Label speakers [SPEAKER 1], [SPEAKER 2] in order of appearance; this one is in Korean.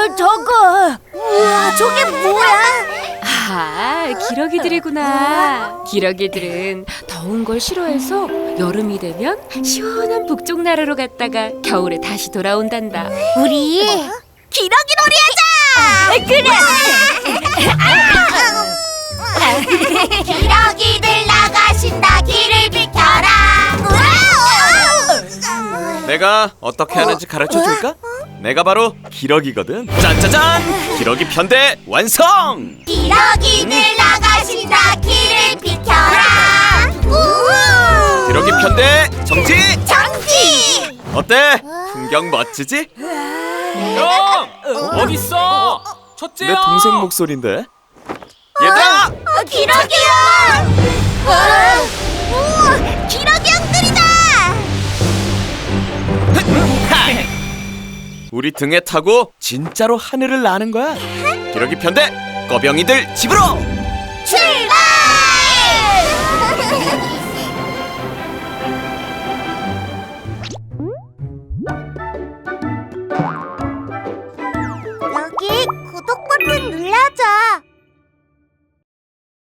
[SPEAKER 1] 저거. 우와, 저게 뭐야?
[SPEAKER 2] 아, 기러기들이구나. 기러기들은 더운 걸 싫어해서 여름이 되면 시원한 북쪽 나라로 갔다가 겨울에 다시 돌아온단다.
[SPEAKER 1] 우리 기러기 놀이 하자. 그래. 기러기들 나가신다. 길을 비켜라.
[SPEAKER 3] 내가 어떻게 하는지 가르쳐 줄까? 내가 바로 기러기거든. 짠짜잔! 기러기 편대 완성!
[SPEAKER 1] 기러기들 나가신다. 길을 비켜라.
[SPEAKER 3] 기러기 편대 정지!
[SPEAKER 1] 정지.
[SPEAKER 3] 어때? 풍경 멋지지?
[SPEAKER 4] 형! 어딨어? 첫째야!
[SPEAKER 3] 내 동생 목소리인데. 얘들아!
[SPEAKER 1] 기러기야. 우와, 기러기 형들이다.
[SPEAKER 3] 우리 등에 타고 진짜로 하늘을 나는 거야. 기러기 편대 꺼병이들 집으로!
[SPEAKER 1] 출발!